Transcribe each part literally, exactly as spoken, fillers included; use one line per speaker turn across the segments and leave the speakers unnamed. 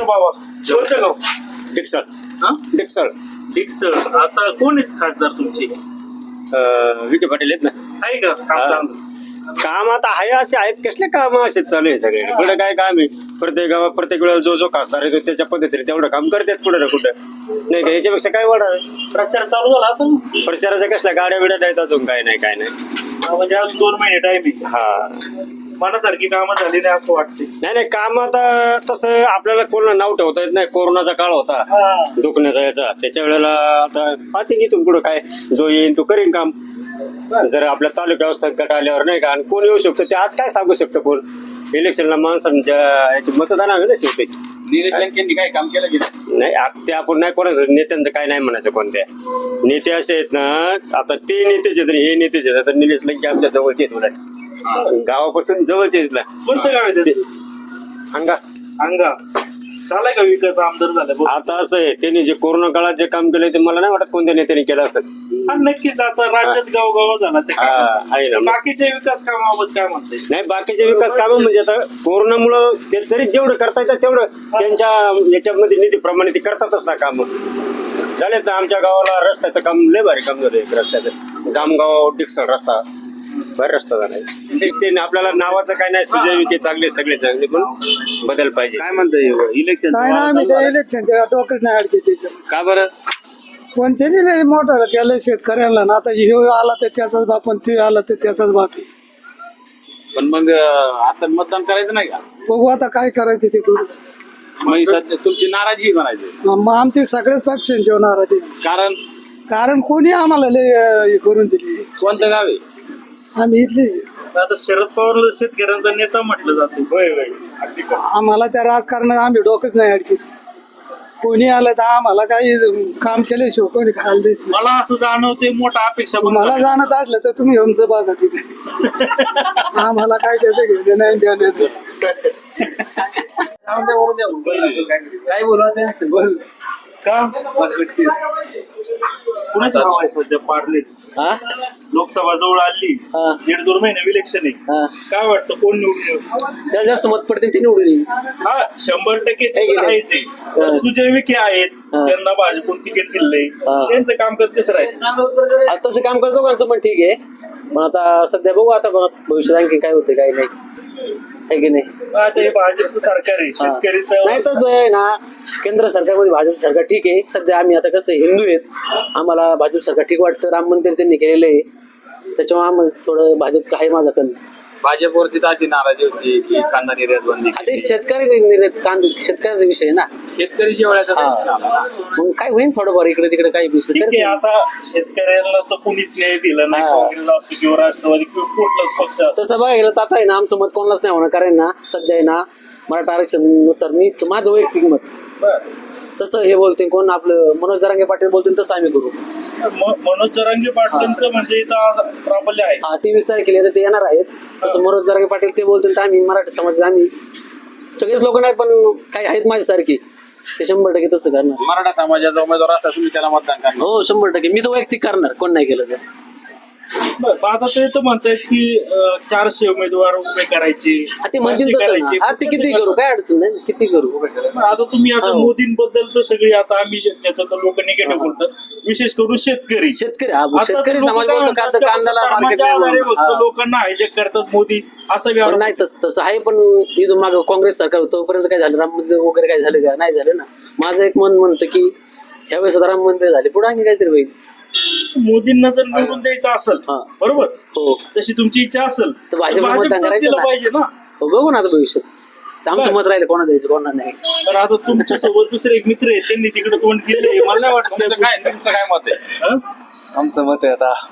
ना बाबा कोणतं गाव?
डिक्सळ
हा
डिक्सळ
डिक्सळ. आता कोण आहेत खासदार तुमचे?
अं, विखे पाटील आहेत ना.
आहे का काम
हा.
चांगलं?
काम आता आहे असे आहेत कसले काम असेच चालू आहे सगळे. कुठं काय काम आहे प्रत्येक गावात प्रत्येक वेळेला जो जो खासदार येतो त्याच्या पद्धतीने तेवढं काम करतात कुठं ना कुठं. नाही का याच्यापेक्षा काय वाढणार
प्रचार चालू झाला असं ना?
प्रचाराच्या कसल्या गाड्या बिड्या नाहीत अजून काय नाही काय नाही.
म्हणजे अजून दोन महिने टाइम आहे.
हा
मनासारखी कामं झाली नाही असं वाटते.
नाही नाही काम आता तसं आपल्याला कोणाला नाव ठेवता येत नाही. कोरोनाचा काळ होता दुखण्याचा याचा त्याच्या वेळेला आता पाहते इथून पुढं काय जो येईन तो करीन काम. जर आपल्या तालुक्यावर संकट आल्यावर नाही का आणि कोण येऊ शकतो ते आज काय सांगू शकतं कोण. इलेक्शनला माणसांच्या याची मतदान हवे ना शेवटी.
काय काम केलं गेलं
नाही आ- ते आपण नाही कोणाचं नेत्यांचं काय नाही म्हणायचं. कोणत्या नेते असे आहेत ना आता ते नेतेच आहेत आणि हे नेतेच आहेत. आता निलेश लंके आमच्या जवळचे आहेत उलट गावापासून जवळचे आहेत ना.
कोणतं गाव आहे त्याचं?
अंगा
अंगा. झालाय का विकास आमदार झाला बघ.
आता असं आहे त्यांनी जे कोरोना काळात जे काम केलं ते मला नाही वाटत कोणत्या नेत्याने केलं असेल.
हा नक्कीच आता राज्यात गावगाव झाला ते
हा,
काम.
आहे ना.
बाकीचे विकास कामाबाबत काय म्हणते?
नाही बाकीचे विकास कामं म्हणजे आता कोरोनामुळं ते तरी जेवढं करता येतं तेवढं त्यांच्या याच्यामध्ये निधीप्रमाणे ते करतातच ना काम. झालेत ना आमच्या गावाला रस्त्याचं काम लय भारी काम झालं. एक रस्त्याचं जामगाव डिक्सळ रस्ता भारी रस्ता झालाय. ते आपल्याला नावाचं काय नाही. सुजय विखे चांगले सगळे चांगले पण बदल पाहिजे.
काय म्हणताय इलेक्शन?
नाही ना आम्ही त्या इलेक्शनच्या डोक्यात नाही अडके त्याच्यामध्ये.
का बरं?
कोणचे नाही मोठा केलं शेतकऱ्यांना ना. आता ह्यो आला तर त्याचाच बाप आणि ते आला तर त्याचाच बाप आहे.
पण मग आता मतदान करायचं नाही का?
बघू आता काय करायचं ते करू.
मग सध्या तुमची नाराजी म्हणायची
मग आमचे सगळेच पक्षांचे होणार आहे ते.
कारण
कारण कोणी आम्हाला लय अं, हे करून दिली.
कोणतं गाव आहे?
आम्ही इथले
आता शरद पवार शेतकऱ्यांचा नेता म्हटलं जातो. होय होय अगदी खरं.
आम्हाला त्या राजकारणात आम्ही डोकंच नाही अडकीत. कोणी आलं तर आम्हाला काही काम केल्याशिवाय कोणी खायला देत नाही.
मला असं जाणवते मोठा अपेक्षा पण
मला
आहे.
जाणत असलं तर तुम्ही आमचं बघा तिथे. आम्हाला काय त्याचं घेणं नाही देणं नाही.
काय बोला त्यांचं बोल का कुणाचं नाव आहे सध्या पार्ले? लोकसभा जवळ आली. दीड दोन महिने इलेक्शन आहे. काय वाटतं कोण निवडून येऊ शकतं?
त्याला जास्त मत पडते ते निवडून येईल.
हा शंभर टक्के ते
आहे की नाही?
आहेच आहे. तर सुजय विखे आहेत त्यांना भाजपून तिकीट दिलंय. त्यांचं कामकाज कसं राहील?
आता तसं काम करतो दोघांचं पण ठीक आहे. पण आता सध्या बघू आता भविष्यात आणखी काय होते काय नाही आहे की नाही.
आता हे भाजपचं सरकार आहे. शेतकरी तर
नाही तसं आहे ना केंद्र सरकारमध्ये भाजप सरकार ठीक आहे. सध्या आम्ही आता कसं हिंदू आहेत आम्हाला भाजप सरकार ठीक वाटतं. राम मंदिर त्यांनी केलेलं आहे त्याच्यामुळे आम्हाला थोडं भाजप आहे माझा कल.
भाजपवरती तर अशी नाराजी होती की कांदा निर्यात बंदी.
आता शेतकरी निर्यात कांद शेतकऱ्याचा विषय आहे ना.
शेतकरी वेळेचा टेन्शन आला ना.
मग काय होईल थोडंफार इकडे तिकडे काही विषय
ठीक आहे. आता शेतकऱ्यांना तर कुणीच न्याय दिला नाही.
हा.
काँग्रेस असो किंवा राष्ट्रवादी किंवा कुठलाच पक्ष असो.
तसं बघायला तर आता आहे ना आमचं मत कोणालाच नाही होणार. कारण ना सध्या आहे ना मराठा आरक्षणानुसार मी माझं वैयक्तिक मत तसं हे बोलते कोण आपलं मनोज जरांगे पाटील बोलतील तसं आम्ही करू.
म- मनोज जरांगे पाटलांचं म्हणजे इथं आज प्राबल्य आहे.
हा तेवीस तारखेला तर ते येणार आहेत. तसं मनोज जरांगे पाटील ते बोलतील तर आम्ही मराठी समाजात आम्ही सगळेच लोक नाही पण काही आहेत माझ्यासारखी ते शंभर टक्के तसं करणार.
मराठा समाजाचा उमेदवार असला तुम्ही त्याला मतदान करणार.
हो शंभर टक्के मी तर वैयक्तिक करणार कोण नाही केलं तर.
बरं, मग आता ते तर म्हणतायत की अं, चारशे उमेदवार उभे करायचे.
हा, ते म्हणतील
असे
तसं
करायचे.
ना. हा ते
कसं
किती
करणार?
करू काय अडचण नाही किती करू.
मग आता तुम्ही आता
हो.
मोदींबद्दल तर सगळी आता आम्ही येतो तर लोक निगेटिव्ह बोलतात. विशेष करून शेतकरी
शेतकरी हा
आता
शेतकरी
लोकं
समाज
काय
बोलतो का
म्हणतात,
तर कांद्याला मार्केट
धर्माच्या आधारे
नाही.
फक्त
हा.
लोकांना हायजॅक करतात मोदी असं
पण
व्यवहार.
नाही तसं तसं आहे. पण इथून मागं काँग्रेस सरकार होतं तोपर्यंत काय झालं राम मंदिर वगैरे काय झालं का नाही झालं ना. माझं एक मन म्हणतं की ह्यावेळेस आता राम मंदिर झाले पुढे आणखी काहीतरी होईल.
मोदींना जर निवडून द्यायचं असेल
हा.
बरोबर
हो
तशी तुमची इच्छा असेल
तर भाजपला मतदान
भाजपचंच
करायचं
दिलं
ना.
पाहिजे ना.
हो बघू ना आता भविष्यात तर आमचं
बरं.
मत राहिलं कोणा द्यायचं कोणा नाही.
तर आता तुमच्या सोबत दुसरे एक मित्र आहेत त्यांनी तिकडे तोंड केले. मला नाही
तुमचं
वाटतं
काय तुमचं काय मत आहे?
हं?
आमचं मत आहे आता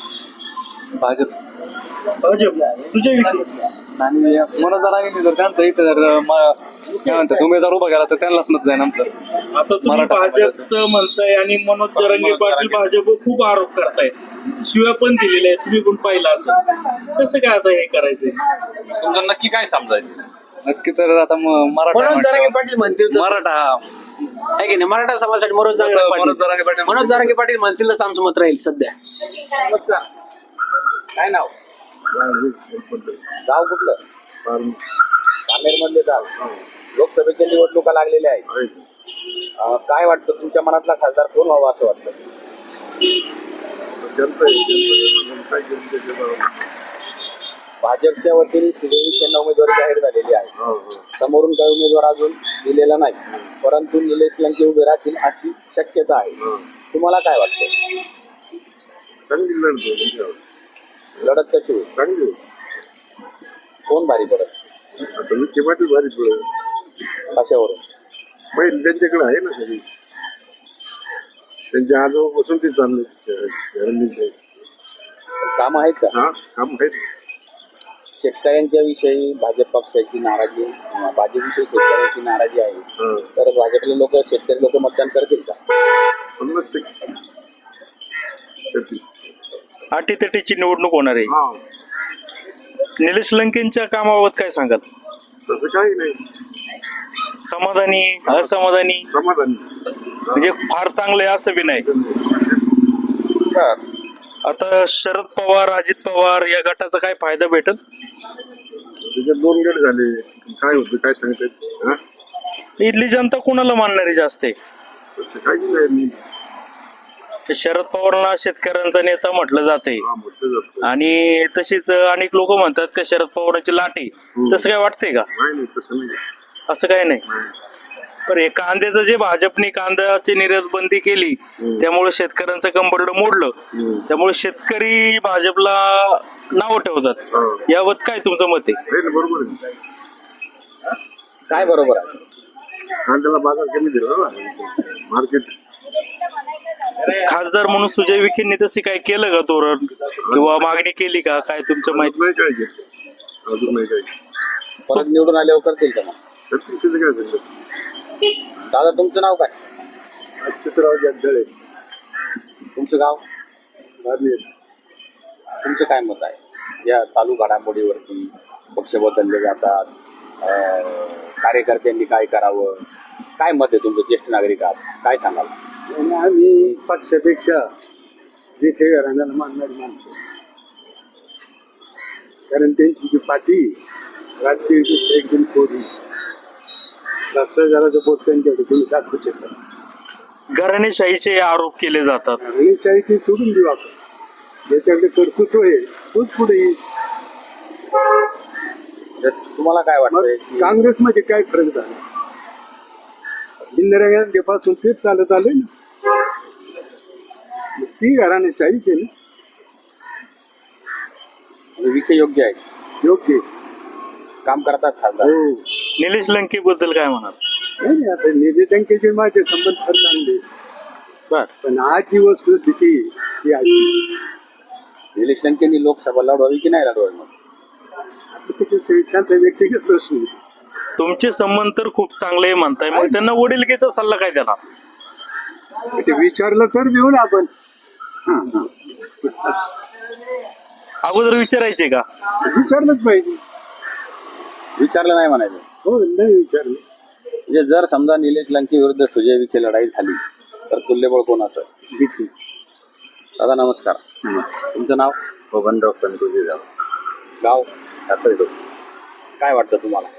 भाजप
भाजप सुजय विखे
आणि मनोज जरांगे जर त्यांचं इथं जर म- काय म्हणतात उमेदवार उभा केला तर त्यांनाच मत जाईल आमचं.
आता तुम्ही
मराठा
भाजपचं म्हणताय आणि मनोज जरांगे पाटील भाजप खूप आरोप करतायत. शिव्या पण दिलेल्या आहेत. तुम्ही पण पाहिलं असं कसं काय आता हे करायचंय?
तुमचं नक्की काय समजायचं?
नक्की तर आता म- मराठा
मनोज जरांगे
म्हटल्यावर-
पाटील म्हणतील तसं.
मराठा
आहे की नाही मराठा समाजासाठी मनोज जरांगे
मनोज
पाटील
जरांगे पाटील
मनोज जरांगे पाटील म्हणतील तसं आमचं मत राहील सध्या.
काय नाव? गाव कुठलं? कामेर मधले गाव. लोकसभेच्या निवडणुका लागलेल्या आहेत. अं, काय वाटतं तुमच्या मनातला खासदार कोण व्हावा असं वाटतं? भाजपच्या वतीने सुजय विखेंना उमेदवारी जाहीर झालेली आहे. समोरून काही उमेदवार अजून दिलेला नाही, परंतु निलेश लंके उभे राहतील अशी शक्यता आहे. तुम्हाला काय वाटतं? लढत कशी होईल? कोण भारी पडत? कशावरून?
पहिले त्यांच्याकडे आहे ना सगळी, त्यांच्या आजोबापासून ते चालले
काम आहेत का?
हा काम आहेत.
शेतकऱ्यांच्या विषयी भाजप पक्षाची नाराजी, अं, भाजपविषयी शेतकऱ्यांची नाराजी आहे,
हा.
तर भाजपले लोक शेतकरी लोक मतदान करतील का?
पन्नास टक्के करतील.
अटीतटीची निवडणूक होणार आहे.
हा
निलेश लंकेंच्या कामाबाबत काय सांगाल?
तसं काही नाही,
समाधानी, असमाधानी,
समाधानी.
म्हणजे फार चांगलं आहे असं बी नाही. आता शरद पवार, अजित पवार या गटाचा काय फायदा भेटल?
त्याच्यात दोन गट झाले, काय होतं काय सांगतात? हा
इथली जनता कोणाला मानणारी जास्त आहे?
तसं काही नाही.
शरद पवारला शेतकऱ्यांचा नेता म्हटलं जाते
हा म्हटलं जातं.
आणि तशीच अनेक लोक म्हणतात का शरद पवारांची लाटे. तसं काय वाटतंय का?
नाही नाही तसं नाही.
असं काय नाही. पण हे कांद्याचं जे भाजपने कांद्याची निर्यात बंदी केली त्यामुळे शेतकऱ्यांचं कंबरड मोडलं, त्यामुळे शेतकरी भाजपला नाव ठेवतात.
हा.
याबाबत काय तुमचं मत आहे?
आहे ना, बरोबर आहे.
काय बरोबर आहे?
कांद्याला बाजार कमी दिला ना मार्केट.
खासदार म्हणून सुजय विखेंनी तशी काय केलं का धोरण किंवा मागणी केली का? काय तुमच्या माहिती?
नाही काय घेत अजून नाही काय
परत निवडून आल्यावर करतील का मग?
करतील. त्याचं काय सांगतात?
दादा तुमचं नाव काय?
अच्युतराव जगदळे.
तुमचं गाव? तुमचं काय मत आहे या चालू घडामोडीवरती? पक्ष बदलले जातात, अं, कार्यकर्त्यांनी काय करावं, काय मत आहे तुमचं? ज्येष्ठ नागरिक आहात, काय सांगाल?
आणि आम्ही पक्षापेक्षा विखे घराण्याला मानणारी माणसं, कारण त्यांची जी पाठी राजकीय दृष्ट्या एकदम थोडी, भ्रष्टाचाराचं बोट त्यांच्याकडे तुम्ही दाखवू शकता.
घराणेशाहीचे आरोप केले जातात.
घराणेशाही ती सोडून देऊ आपण, ज्याच्याकडे कर्तृत्व आहे तोच पुढे येईल.
तर तुम्हाला काय
मग
वाटतंय की
काँग्रेसमध्ये काय फरक झाला? इंदिरा गांधीपासून तेच चालत आले ना, मग ती घराणेशाहीच आहे ना.
विखे योग्य आहे,
योग्य आहे.
काम करतात खासदार?
हो.
निलेश लंके बद्दल काय म्हणाल?
नाही नाही, आता निधी टंकेचे माझे संबंध फार चांगले,
बर.
पण आजची वस्तुस्थिती ती अशी.
निलेश लंकेंनी लोकसभा लढवावी की नाही लढवावी? मग
आता ते कसं, त्यांचा व्यक्तिगत प्रश्न आहे.
तुमचे संबंध तर खूप चांगले म्हणताय, मग त्यांना वडीलकीचा सल्ला काय देणार?
ते विचारलं तर देऊ ना आपण.
अगोदर विचारायचे का?
विचारलंच पाहिजे.
विचारलं नाही म्हणायचं.
हो, नाही विचारलं.
म्हणजे जर समजा निलेश लंके विरुद्ध सुजय विखे लढाई झाली तर तुल्यबळ कोण असं?
विखे.
दादा नमस्कार, तुमचं नाव?
बबनराव संतोषी राव.
गाव?
सातारा.
काय वाटतं तुम्हाला?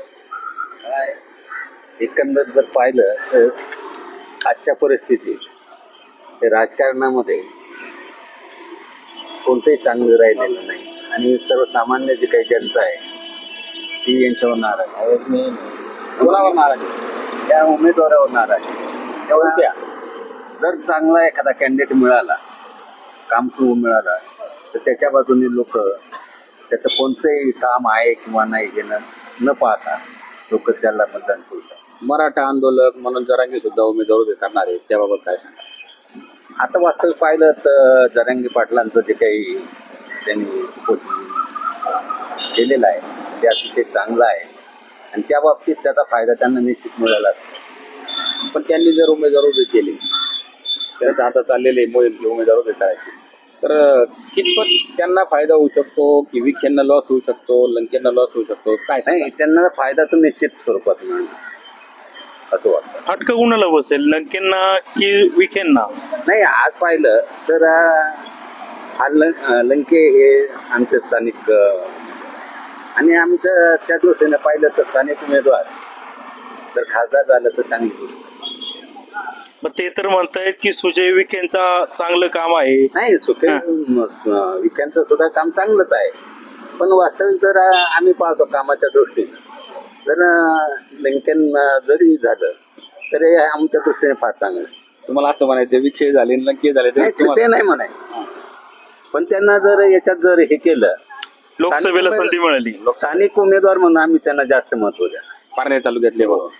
एकंदर जर पाहिलं तर आजच्या परिस्थितीत हे राजकारणामध्ये कोणतंही चांगलं राहिलेलं नाही आणि सर्वसामान्य जी काही जनता आहे ती यांच्यावर नाराज आहे.
कोणावर नाराज आहे?
त्या उमेदवारावर नाराज आहे.
कोणत्या?
जर चांगला एखादा कॅन्डिडेट मिळाला, काम सुरू मिळाला, तर त्याच्या बाजूने लोक त्याचं कोणतंही काम आहे किंवा नाही हे न न पाहता लोक त्याला मतदान करतात.
मराठा आंदोलक म्हणून जरांगे सुद्धा उमेदवार उभे करणार आहेत, त्याबाबत काय सांगा?
आता वास्तव पाहिलं तर जरांगे पाटलांचं जे काही त्यांनी पोचून केलेलं आहे ते अतिशय चांगलं आहे आणि त्या बाबतीत त्याचा फायदा त्यांना निश्चित मिळाला.
पण त्यांनी जर उमेदवार उभे केले, त्याचं आता चाललेले मोहीम की उमेदवार उभे करायचे, तर कितपत त्यांना फायदा होऊ शकतो की विखेंना लॉस होऊ शकतो, लंकेंना लॉस होऊ शकतो, काय सांगा?
नाही, त्यांना फायदा तर निश्चित स्वरूपात मिळणार असं वाटतं.
फटका कुणाला बसेल, लंकेंना की विखेंना?
नाही, आज पाहिलं तर अं, हा लं लंके हे आमचे स्थानिक अं, आणि आमचं त्या दृष्टीने पाहिलं तर स्थानिक उमेदवार
जर खासदार झालं तर चांगली गोष्ट.
मग ते तर म्हणतायत की सुजय विखेंचा चांगलं काम आहे.
नाही सुखे विख्यांचं सुद्धा काम चांगलंच आहे, पण वास्तविक जर आम्ही पाहतो कामाच्या दृष्टीने जर लंकेन जरी झालं तरी आमच्या दृष्टीने फार चांगलं आहे.
तुम्हाला असं म्हणायचं विषय झाले लंके झाले
नाही,
तर
ते नाही म्हणाय, पण त्यांना जर याच्यात जर हे केलं,
लोकसभेला संधी मिळाली.
स्थानिक उमेदवार म्हणून आम्ही त्यांना जास्त महत्व द्या.
पारनेर तालुक्यातले बाबा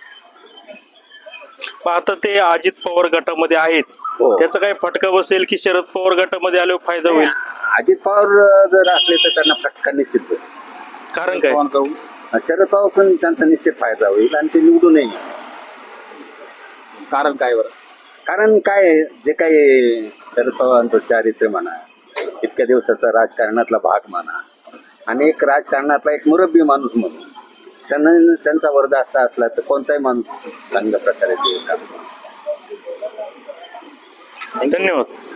पण आता ते अजित पवार गटामध्ये आहेत,
हो.
त्याचा काय फटका बसेल की शरद पवार गटामध्ये आल्यावर फायदा होईल?
अजित पवार जर असले तर त्यांना फटका निश्चित बसेल.
कारण काय?
शरद पवार पण त्यांचा निश्चित फायदा होईल आणि ते निवडून येईल.
कारण काय बरं?
कारण काय आहे, जे काही शरद पवारांचं चारित्र्य म्हणा, इतक्या दिवसाचा राजकारणातला भाग म्हणा, आणि एक राजकारणातला एक मुरब्बी माणूस म्हणून त्यांना त्यांचा वरदास्त असला तर कोणताही माणूस चांगल्या प्रकारे ते काम.
धन्यवाद.